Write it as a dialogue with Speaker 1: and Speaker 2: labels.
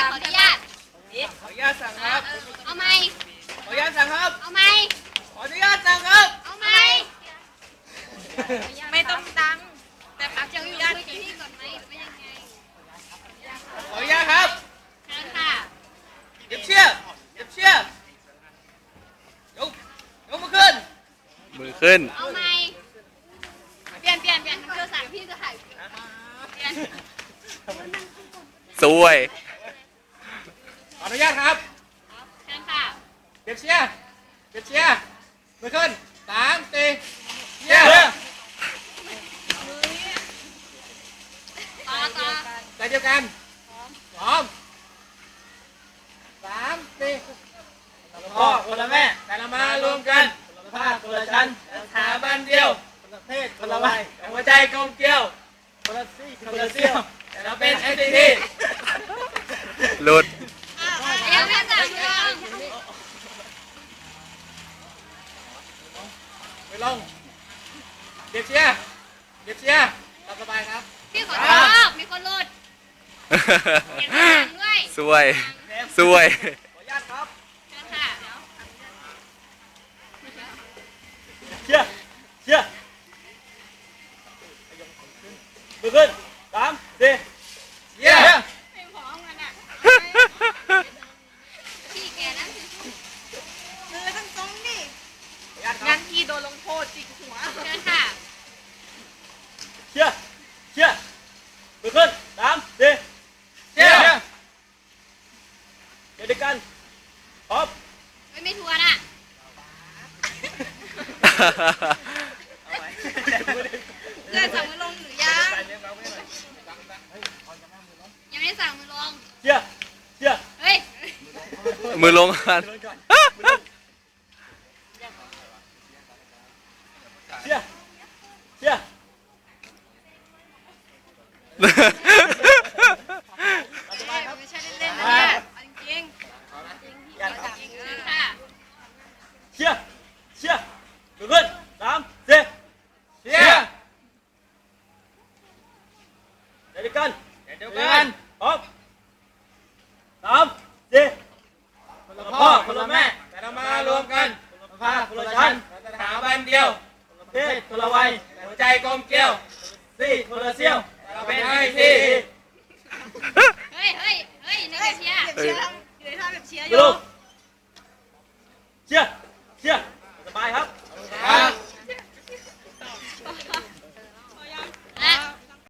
Speaker 1: ขออนุญาต
Speaker 2: ขออนุญาตสั่งครับ
Speaker 1: เอาไหม
Speaker 2: ขออนุญาตสั่งครับ
Speaker 1: เอาไหม
Speaker 2: ขออนุญาตสั่งครับ
Speaker 1: เอาไหม
Speaker 3: ไม่ต้องดังแต่พัก
Speaker 1: จะ
Speaker 3: อ
Speaker 1: อยู่
Speaker 3: นุญาต
Speaker 1: คุยกับพี่ก่อนไหมหรือว่ายังไง
Speaker 2: ขออนุญาตครับ
Speaker 1: เชิญค่ะ
Speaker 2: เก็บเชือกเก็บเชือกยกมือขึ้น
Speaker 4: มือขึ้น
Speaker 1: เอาไหมเปลี่ยนเพื่อสั่งพี่จะถ่ายเปลี่ยน
Speaker 4: สวย
Speaker 2: ขออนุญาตครับ
Speaker 1: เชิญค่ะ
Speaker 2: เก็บเชือกเก็บเชือกมือขึ้น3 4เชือก
Speaker 1: ต่อ
Speaker 2: ใจเดียวกันพร้อม3 4พ่อคนละแม่แต่ละมารวมกันคนละภาคคนละชั้นสถาบันเดียวคนละเพศคนละวัยแต่หัวใจกลมเกลียวคนละซี่คนละเซี่ยวแต่เราเป็น NCT
Speaker 4: หลุด
Speaker 1: ยังไม่สั่งลง
Speaker 2: ไปลงเก็บเชือกเก็บเชือกตามสบายครับ
Speaker 1: พี่ขอโทษมีคนหลุดเปลี่ยนสั่งด้วย
Speaker 4: สวย สวย
Speaker 2: ขออนุญาตครับ
Speaker 1: เชิญค่ะ
Speaker 2: เชือกเชือกมือขึ้น3 4เชือก
Speaker 1: ไม่พร้อมกันอ่ะพี่แกนะ
Speaker 3: มือต้องตรงดิ
Speaker 2: ขออนุญาตครั
Speaker 3: งั้
Speaker 2: บ
Speaker 3: นพี่โดนลงโทษจิกหัว
Speaker 1: เชิญค่ะ
Speaker 2: เชือกเชือกมือขึ้น3 4เชือกเดี๋ยวด้วยกันพร้อม
Speaker 1: ไม่ทวนอ่ะ
Speaker 3: เพื่อนสั่งมือลงหรือยัง
Speaker 1: ยังไม่ได้สั่งมือลง
Speaker 2: เชือกเชือก
Speaker 1: เฮ้ย
Speaker 4: มือลงกัน
Speaker 2: เชือกเชือก
Speaker 3: ไม่ใช่เล่นๆนะเนี่ยเอาจริง
Speaker 1: เชิญค่ะ
Speaker 2: เชือกเชือกมือขึ้น3 4เชือกเดี๋ยวด้วยกันพร้อม3 4คนละพ่อคนละแม่แต่เรามารวมกันคนละภาคคนละชั้นสถาบันเดียวคนละเพศคนละวัยแต่หัวใจกลมเกลียวซี่คนละเซี่ยวแต่เราเป็นไอซี
Speaker 1: เฮ้ยในกระเชียร์
Speaker 3: ๆเชียร์ทำอยู่ในท่าแบบเชียร์อ
Speaker 2: ลู
Speaker 3: ยู่
Speaker 2: ก